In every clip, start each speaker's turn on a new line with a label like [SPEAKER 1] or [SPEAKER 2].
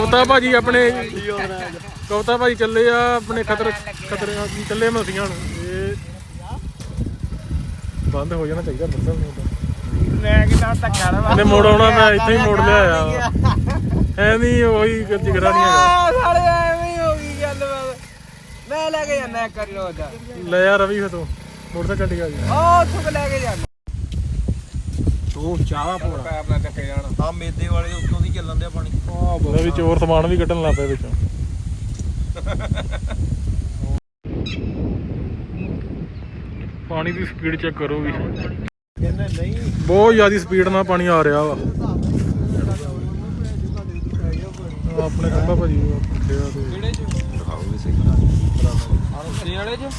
[SPEAKER 1] ਕਵਤਾ ਭਾਜੀ ਆਪਣੇ ਕਵਤਾ ਭਾਜੀ ਚੱਲੇ ਆ ਆਪਣੇ ਖਤਰੇ ਚੱਲੇ ਮਸੀਆਂ ਨੂੰ। ਇਹ ਬੰਦ ਹੋ ਜਾਣਾ ਚਾਹੀਦਾ ਬੱਦਲ ਨੂੰ ਤਾਂ
[SPEAKER 2] ਮੈਂ ਕਿਹਾ ਧੱਕਾ ਨਾ
[SPEAKER 1] ਇਹਨੇ ਮੋੜ ਆਉਣਾ ਮੈਂ ਇੱਥੇ ਹੀ ਮੋੜ ਲਿਆ ਐ ਨਹੀਂ ਉਹੀ ਜਿਗਰਾ ਨਹੀਂ ਹੈਗਾ
[SPEAKER 2] ਸਾਲੇ ਐਵੇਂ ਹੀ ਹੋ ਗਈ ਗੱਲ ਮੈਂ ਲੈ ਕੇ ਜਾਣਾ ਇੱਕ ਵਾਰੀ ਰੋਜ਼ ਦਾ
[SPEAKER 1] ਲੈ ਯਾਰ ਰਵੀ ਫਤੋ ਮੋਟਰਸਾਈਕਲ ਕੱਢ ਗਿਆ ਜੀ
[SPEAKER 2] ਉੱਥੋਂ ਲੈ ਕੇ ਜਾਣਾ ਤੂੰ ਚਾਹ ਪੋਣਾ ਪੈਪ ਨਾਲ ਚੱਕੇ ਜਾਣਾ ਆ ਮੇਦੇ ਵਾਲੇ ਉੱਤੋਂ ਦੀ ਚੱਲਣ ਦਿਆ ਪਾਣੀ
[SPEAKER 1] ਲੈ ਵੀ ਚੋਰ ਸਮਾਨ ਵੀ ਕੱਢਣ ਲੱਗ ਪਏ ਵਿੱਚੋਂ ਪਾਣੀ ਦੀ ਸਪੀਡ ਚੈੱਕ ਕਰੋ ਵੀ ਬਹੁਤ ਜ਼ਿਆਦਾ ਸਪੀਡ ਨਾਲ ਪਾਣੀ ਆ ਰਿਹਾ ਵਾ ਆਪਣੇ ਖੰਭਾ ਭਾਜੀ
[SPEAKER 2] ਕਿਹੜੇ ਚ ਦਿਖਾਓ ਵੀ ਸਹੀ ਸੇ ਵਾਲੇ ਚ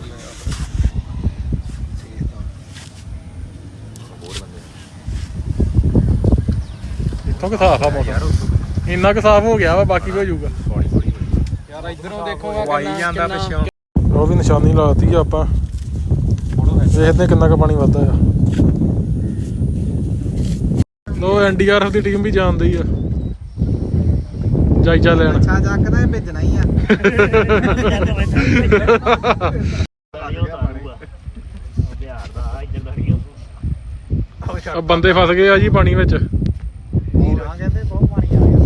[SPEAKER 1] ਇੱਥੋਂ ਕਿ ਸਾਫ ਆ ਮੌਸਮ ਇੰਨਾ ਕੁ ਸਾਫ ਹੋ ਗਿਆ ਵਾ ਬਾਕੀ ਵੀ ਹੋ ਜਾਊਗਾ
[SPEAKER 2] ਯਾਰ ਇਧਰੋਂ ਦੇਖੋਗਾ ਵਾਈ ਜਾਂਦਾ ਪਿੱਛੋਂ
[SPEAKER 1] ਉਹ ਵੀ ਨਿਸ਼ਾਨੀ ਲਾਤੀ ਆ ਆਪਾਂ ਦੇਖਦੇ ਕਿੰਨਾ ਕੁ ਪਾਣੀ ਵੱਧਦਾ ਆ ਲੋ ਐਨਡੀਆਰਐਫ ਦੀ ਟੀਮ ਵੀ ਜਾਂਦੀ ਆ ਜਾਇਜ਼ਾ ਲੈਣ
[SPEAKER 2] ਅੱਛਾ ਚੱਕਦਾ ਭੇਜਣਾ ਹੀ
[SPEAKER 1] ਆ ਬੰਦੇ ਫਸ ਗਏ ਆ ਜੀ ਪਾਣੀ ਵਿੱਚ